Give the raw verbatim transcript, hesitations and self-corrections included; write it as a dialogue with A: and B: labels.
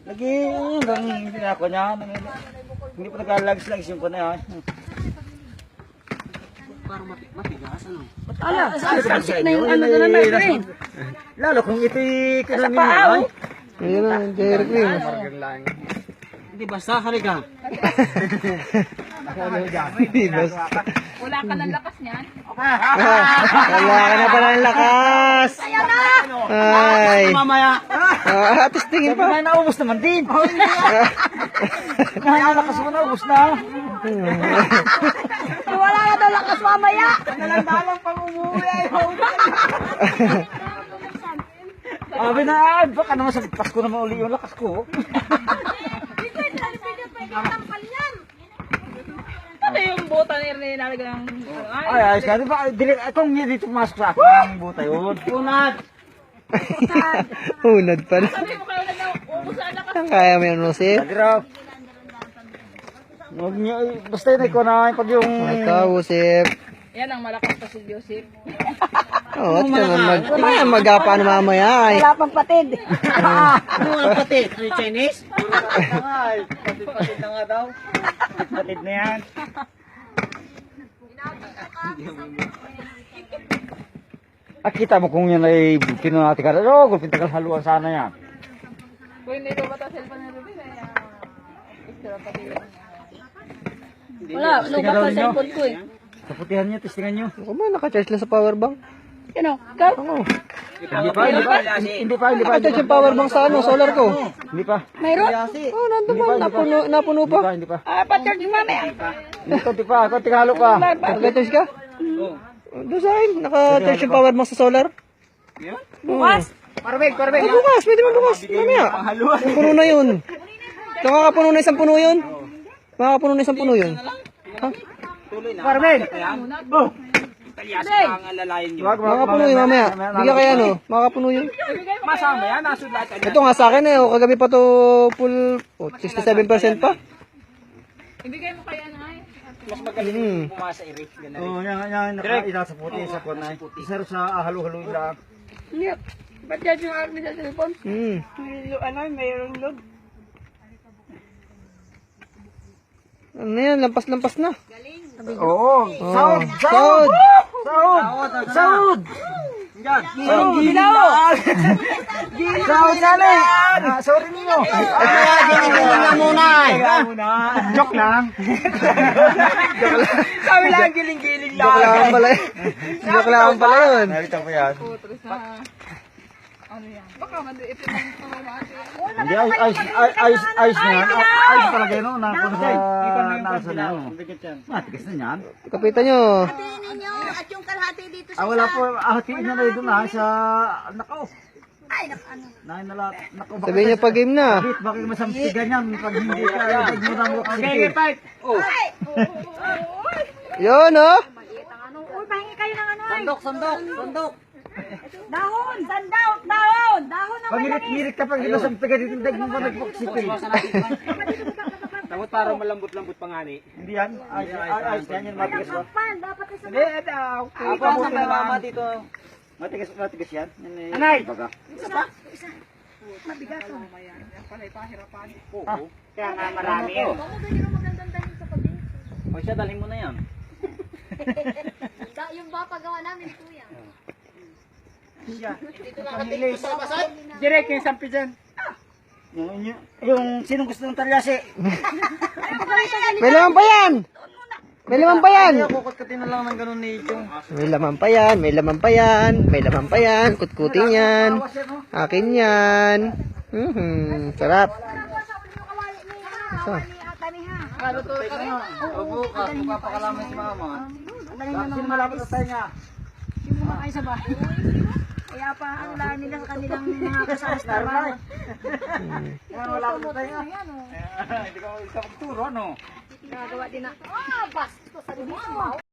A: Lagi, hanggang hindi na ako niya. Hindi pa nagkalags-lags yung ko na yan.
B: Parang matigas, ano?
C: Ala, sasik na yung ano doon na green.
A: Lalo kung ito'y kinamin
C: paa,
A: mo, ay.
D: Ayun na, dairy cream.
B: Hindi, basta haligang.
C: Wala ka ng lakas niyan.
D: Wala ka na pala ng lakas. Ay.
B: Mamaya.
D: Ah, atis tingin pa.
A: Sabi nga, naubos naman din. Nakalakas mo, naubos na.
C: Wala na daw lakas mamaya.
A: Nalandalang pang umuwi ay Sabi na, ay, baka naman sa Pasko naman uli yung lakas ko.
C: Ano yung buta ni Ernie nalagang...
A: Ay, ayos ka. Di ba, dili, kung hindi dito pumasok sa akin, ang buta yun. Unad!
D: Unad pala.
C: Sabi mo kayo na daw, ubus ang lakas.
D: Ang kaya mo yun, Jose?
A: Sabi raw. Huwag niyo, basta yun, ikaw na, pag yung...
D: Ito, Josep.
C: Yan ang malakas pa si Joseph.
D: Oo, oh, ito naman mag... Kaya mag-apa na mamaya ay.
C: Wala pang patid.
B: Ano ang pati? Ano yung Chinese?
A: Ay, patid-patid na nga daw. Patid na yan. Ah, kita mo kung yan ay pinunati ka. Oh, gulpin tagal haluan sana yan.
C: Kung hindi ko bata cellphone na Ruby, kaya... Extra patid. Wala, lukat sa cellphone ko eh.
A: Sa putihan niyo, testingan niyo.
D: Ako ba, naka-charge lang sa power bank?
C: Yan o, ikaw?
D: Oo.
A: Hindi pa, hindi pa, hindi pa, hindi pa.
D: Naka-charge yung power bank sa ano, solar ko.
A: Hindi pa.
C: Mayroon?
D: Oo, oh, nandun pa, napuno, napuno
A: Hindi
D: pa.
A: pa, hindi pa.
C: Ah, pa-charge mo mamaya.
A: Hindi pa, hindi pa. Kunti halo pa.
D: Naka-charge ka? Oo. Doon sa akin, naka-charge yung power bank sa solar.
C: Bukas?
A: Parabig, parabig.
D: Ah, bukas, pwede mo bukas. Mamaya. Yung puno na yun. Nakakapuno na isang puno yun. Makakapuno na isang puno yun. Ha?
A: Parabig. Oh.
B: Ang alalayan nyo.
A: Wag, wag,
D: Makakapuno yun mamaya. Bigyan kaya no, makakapuno yun.
B: Masama yan, nasudlat ka.
D: Ito nga sa akin eh, oh, kagabi pa to full, oh, sixty-seven percent pa.
C: Ibigay mo kaya na ay.
B: Mas magaling
D: Hmm.
B: pumasa i-rate. Ganun.
A: Oh, yan, yan, nakaila sa puti, sa kunay. Isa rin sa halo-halo lang.
C: Yep. Ba't yan yung akin sa cellphone?
D: Hmm.
C: Ano, mayroong load.
D: Ano yan, lampas-lampas na.
A: Oo. Sahod,
D: Sahod!
A: sahod, sahod, sahod. Yan.
C: Ginaw!
A: Sahod na na. Ah, sorry niyo. Ah,
B: Giling-giling lang muna eh.
A: Joke lang.
B: Sabi lang, giling-giling
D: Joke lang pala yun. Joke lang pala yun.
A: Narito po yan.
C: Putros na. Ano yan? Baka maliit na yung pamamati.
A: Hindi, ayos, ayos, ayos, ayos, ayos na yan. Ayos talaga yun, no? Nakon sa nasa na yun. Matigas na yan.
D: Kapitan nyo.
E: ninyo at yung kalahati dito
A: Ah, wala po, ahatiin na na yun na sa, nako.
E: ay nak ano.
A: Nahin na lahat. Nako, bakit
D: Sabihin nyo pag game na.
A: Bakit, bakit masampigan yan pag hindi ka, pag mo na mo kasi.
B: Oh,
D: Yun oh.
E: Uy, pahingi kayo ng ano ay.
B: sandok, sandok, sandok.
E: Dahon, sandok, dahon, dahon na
A: Pag ngirit-ngirit ka pag masampigan dito, dag mo pa nagpoksipin.
B: Tapos parang malambot-lambot pa nga ni.
A: Hindi yan, ayos, ayos, ayos yan yan, matigas ba?
E: pan, dapat isa.
B: Hindi, ito.
A: Ako po na mama dito. Matigas, matigas yan. Anay! Baga.
E: Mabigat.
A: Ah,
B: Kaya nga marami yun.
E: Baka ganyan ang magandang dahil sa pagin.
B: O siya, dalhin mo na yan.
E: Yung papagawa namin kuya.
B: Direk yung sampi dyan.
A: yung, yung, yung sinong gusto ng talyasi?
D: May laman pa yan. May laman pa yan.
A: Kukutkutin na lang ng ganun ni Chong.
D: May laman pa yan. May laman pa yan. May laman pa yan. Kutkutin yan. Akin yan. Mhm. Sarap. So.
C: Ano to ka rin?
A: Opo, buka pa kalaman si mama. Sino malapit sa tayo niya?
E: Yung mga kayo sa bahay. Kaya pa ang lahat nila sa kanilang mga kasama sa trabaho.
A: Yan, malapit sa tayo niya. Hindi ka magturo, ano?
E: Nagawa din na, ah, bastos sa dito.